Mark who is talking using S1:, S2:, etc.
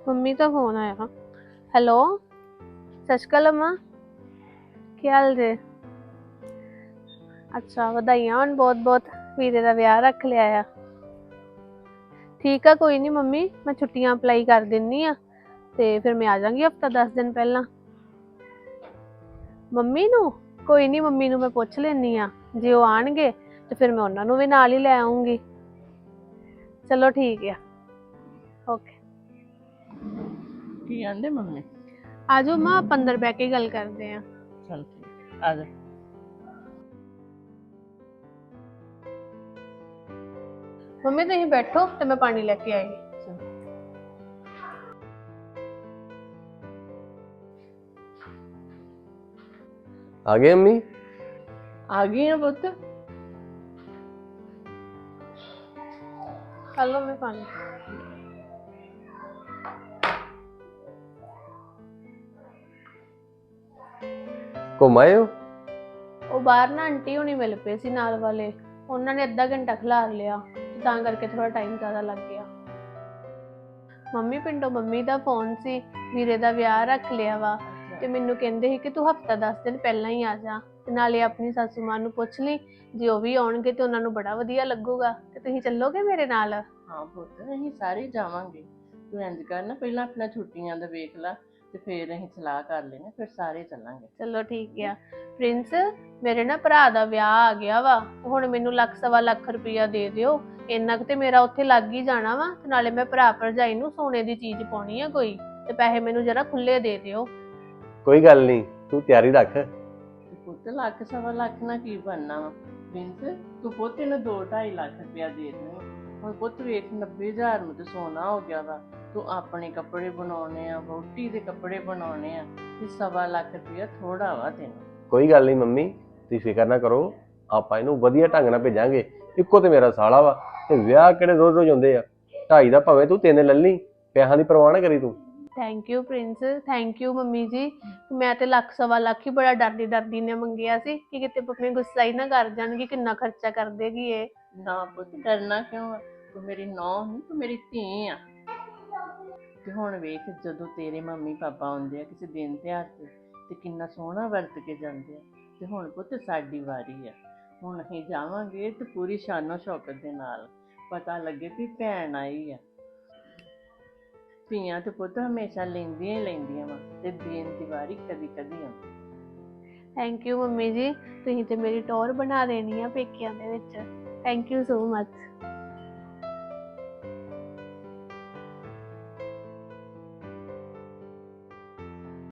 S1: Mummy ਦਾ phone ਆਇਆ। Hello, ਸਤਿ ਸ਼੍ਰੀ ਅਕਾਲ ਅਮਾ, ਕੀ ਹਾਲ ਜੇ? ਅੱਛਾ, ਵਧਾਈਆਂ ਹੋਣ ਬਹੁਤ ਬਹੁਤ। ਵੀਰੇ ਦਾ ਵਿਆਹ ਰੱਖ ਲਿਆ ਆ। ਠੀਕ ਆ, ਕੋਈ ਨਹੀਂ ਮੰਮੀ, ਮੈਂ ਛੁੱਟੀਆਂ ਅਪਲਾਈ ਕਰ ਦਿੰਨੀ ਆ ਤੇ ਫਿਰ ਮੈਂ ਆ ਜਾਵਾਂਗੀ ਹਫਤਾ 10 ਦਿਨ ਪਹਿਲਾਂ। ਮੰਮੀ ਨੂੰ ਕੋਈ ਨਹੀਂ, ਮੰਮੀ ਨੂੰ ਮੈਂ ਪੁੱਛ ਲੈਣੀ ਆ, ਜੇ ਉਹ ਆਣਗੇ ਤੇ ਫਿਰ ਮੈਂ ਉਹਨਾਂ ਨੂੰ ਵੀ ਨਾਲ ਹੀ ਲੈ ਆਉਂਗੀ। ਚਲੋ ਠੀਕ ਆ, ਓਕੇ।
S2: ਕੀ ਆਂਦੇ ਮੰਮੀ?
S1: ਆਜੋ ਮਾਂ, ਆਪਾਂ ਅੰਦਰ ਬਹਿ ਕੇ ਗੱਲ ਕਰਦੇ ਆ।
S2: ਚਲ ਠੀਕ ਆ ਜਾ।
S1: ਮੰਮੀ ਤੁਸੀਂ ਬੈਠੋ ਤੇ ਮੈਂ ਪਾਣੀ ਲੈ ਕੇ ਆਈ।
S3: ਆ ਗਏ ਅੰਮੀ?
S2: ਆ ਗਈ ਆ ਪੁੱਤ।
S1: ਹਲੋ ਮੈਂ ਪਾਣੀ।
S3: ਘੁੰਮ ਆਏ ਹੋ?
S1: ਉਹ ਬਾਹਰ ਨਾ ਆਂਟੀ ਹੋਣੀ ਮਿਲ ਪਏ ਸੀ ਨਾਲ ਵਾਲੇ, ਉਹਨਾਂ ਨੇ ਅੱਧਾ ਘੰਟਾ ਖਿਲਾਰ ਲਿਆ, ਤਾਂ ਕਰਕੇ ਥੋੜਾ ਟਾਈਮ ਜ਼ਿਆਦਾ ਲੱਗ ਗਿਆ। ਮੰਮੀ ਪਿੰਡੋਂ ਮੰਮੀ ਦਾ ਫੋਨ ਸੀ, ਵੀਰੇ ਦਾ ਵਿਆਹ ਰੱਖ ਲਿਆ ਵਾ ਤੇ ਮੈਨੂੰ ਕਹਿੰਦੇ ਸੀ ਕਿ ਤੂੰ ਹਫਤਾ 10 ਦਿਨ ਪਹਿਲਾਂ ਹੀ ਆ ਜਾ, ਤੇ ਨਾਲੇ ਆਪਣੀ ਸਾਸੂ ਮਾਂ ਨੂੰ ਪੁੱਛ ਲਈ, ਜੇ ਉਹ ਵੀ ਆਉਣਗੇ ਤੇ ਉਹਨਾਂ ਨੂੰ ਬੜਾ ਵਧੀਆ ਲੱਗੂਗਾ। ਤੇ ਤੁਸੀਂ ਚੱਲੋਗੇ ਮੇਰੇ ਨਾਲ?
S2: ਹਾਂ ਪੁੱਤ, ਅਸੀਂ ਸਾਰੇ ਜਾਵਾਂਗੇ। ਤੂੰ ਇੰਜ ਕਰ ਨਾ, ਪਹਿਲਾਂ ਆਪਣਾ ਛੁੱਟੀਆਂ ਦਾ ਵੇਖ ਲੈ ਤੇ ਫਿਰ ਅਸੀਂ ਸਲਾਹ ਕਰ ਲੈਣਾ, ਫਿਰ ਸਾਰੇ ਚੱਲਾਂਗੇ।
S1: ਚਲੋ ਠੀਕ ਆ। ਪ੍ਰਿੰਸ, ਮੇਰੇ ਨਾ ਭਰਾ ਦਾ ਵਿਆਹ ਆ ਗਿਆ ਵਾ, ਹੁਣ ਮੈਨੂੰ ਲੱਖ ਸਵਾ ਲੱਖ ਰੁਪਇਆ ਦੇ ਦਿਓ, ਇੰਨਾ ਕੁ ਤੇ ਮੇਰਾ ਉੱਥੇ ਲੱਗ ਹੀ ਜਾਣਾ ਵਾ। ਤੇ ਨਾਲੇ ਮੈਂ ਭਰਾ ਭਰਜਾਈ ਨੂੰ ਸੋਨੇ ਦੀ ਚੀਜ਼ ਪਾਉਣੀ ਆ ਕੋਈ, ਤੇ ਪੈਸੇ ਮੈਨੂੰ ਜਰਾ ਖੁੱਲੇ ਦੇ ਦਿਓ।
S3: ਕੋਈ ਗੱਲ ਨਹੀਂ, ਤੂੰ ਤਿਆਰੀ ਰੱਖ।
S2: ਤੇ ਪੁੱਤ ਲੱਖ ਸਵਾ ਲੱਖ ਨਾਲ ਕੀ ਬਣਨਾ ਵਾ? ਪ੍ਰਿੰਸ, ਤੂੰ ਪੁੱਤ ਇਹਨੂੰ 2-2.5 ਲੱਖ ਰੁਪਇਆ ਦੇ ਦੇ। ਹੁਣ ਪੁੱਤ ਵੇਖ, 90,000 ਨੂੰ ਤੇ ਸੋਨਾ ਹੋ ਗਿਆ ਵਾ। ਤੂੰ ਆਪਣੇ ਕੱਪੜੇ ਬਣਾਉਣੇ ਆ, ਵਹੁਟੀ ਦੇ ਕੱਪੜੇ ਬਣਾਉਣੇ ਆ, ਤੇ ਸਵਾ ਲੱਖ ਰੁਪਇਆ ਥੋੜਾ ਵਾ ਤੈਨੂੰ।
S3: ਕੋਈ ਗੱਲ ਨਹੀਂ ਮੰਮੀ, ਤੁਸੀਂ ਫਿਕਰ ਨਾ ਕਰੋ, ਆਪਾਂ ਇਹਨੂੰ ਵਧੀਆ ਢੰਗ ਨਾਲ ਭੇਜਾਂਗੇ। ਇੱਕੋ ਤੇ ਮੇਰਾ ਸਾਲਾ ਵਾ, ਤੇ ਵਿਆਹ ਕਿਹੜੇ ਰੋਜ਼ ਰੋਜ਼ ਹੁੰਦੇ ਆ? 2.5 ਦਾ ਭਾਵੇਂ ਤੂੰ 3 ਲੈ ਲਈ, ਪੈਸਿਆਂ ਦੀ ਪਰਵਾਹ ਨਾ ਕਰੀ ਤੂੰ।
S1: Thank you Prince, thank you mummy ji. ਮੈਂ ਤੇ ਲੱਖ ਸਵਾ ਲੱਖ ਹੀ ਬੜਾ ਡਰਦੀ ਡਰਦੀ ਨੇ ਮੰਗਿਆ ਸੀ ਕਿ ਕਿਤੇ ਮੰਮੀ ਗੁੱਸਾ ਹੀ ਨਾ ਕਰ ਜਾਣਗੇ, ਕਿੰਨਾ ਖਰਚਾ ਕਰ ਦੇਗੀ ਇਹ।
S2: ਨਾ ਪੁੱਤ, ਕਰਨਾ ਕਿਉਂ ਆ? ਤੂੰ ਮੇਰੀ ਨੂੰਹ ਨਹੀਂ, ਤੂੰ ਮੇਰੀ ਧੀ ਆ। ਤੇ ਹੁਣ ਵੇਖ, ਜਦੋਂ ਤੇਰੇ ਮੰਮੀ ਪਾਪਾ ਆਉਂਦੇ ਆ ਕਿਸੇ ਦਿਨ ਤਿਉਹਾਰ ਤੇ ਕਿੰਨਾ ਸੋਹਣਾ ਵਰਤ ਕੇ ਜਾਂਦੇ ਆ। ਤੇ ਹੁਣ ਪੁੱਤ ਸਾਡੀ ਵਾਰੀ ਆ, ਹੁਣ ਅਸੀਂ ਜਾਵਾਂਗੇ ਤੇ ਪੂਰੀ ਸ਼ਾਨੋ ਸ਼ੌਕਤ ਦੇ ਨਾਲ, ਪਤਾ ਲੱਗੇ ਵੀ ਭੈਣ ਆਈ ਆ। ਧੀਆਂ ਤੇ ਪੁੱਤ ਹਮੇਸ਼ਾ ਲੈਂਦੀਆਂ ਹੀ ਲੈਂਦੀਆਂ ਵਾ, ਤੇ ਦੇਣ ਦੀ ਵਾਰੀ ਕਦੀ ਕਦੀ ਆਉਂਦੀ।
S1: ਥੈਂਕ ਯੂ ਮੰਮੀ ਜੀ, ਤੁਸੀਂ ਤੇ ਮੇਰੀ ਟੌਰ ਬਣਾ ਦੇਣੀ ਆ ਪੇਕਿਆਂ ਦੇ ਵਿੱਚ। Thank you so much.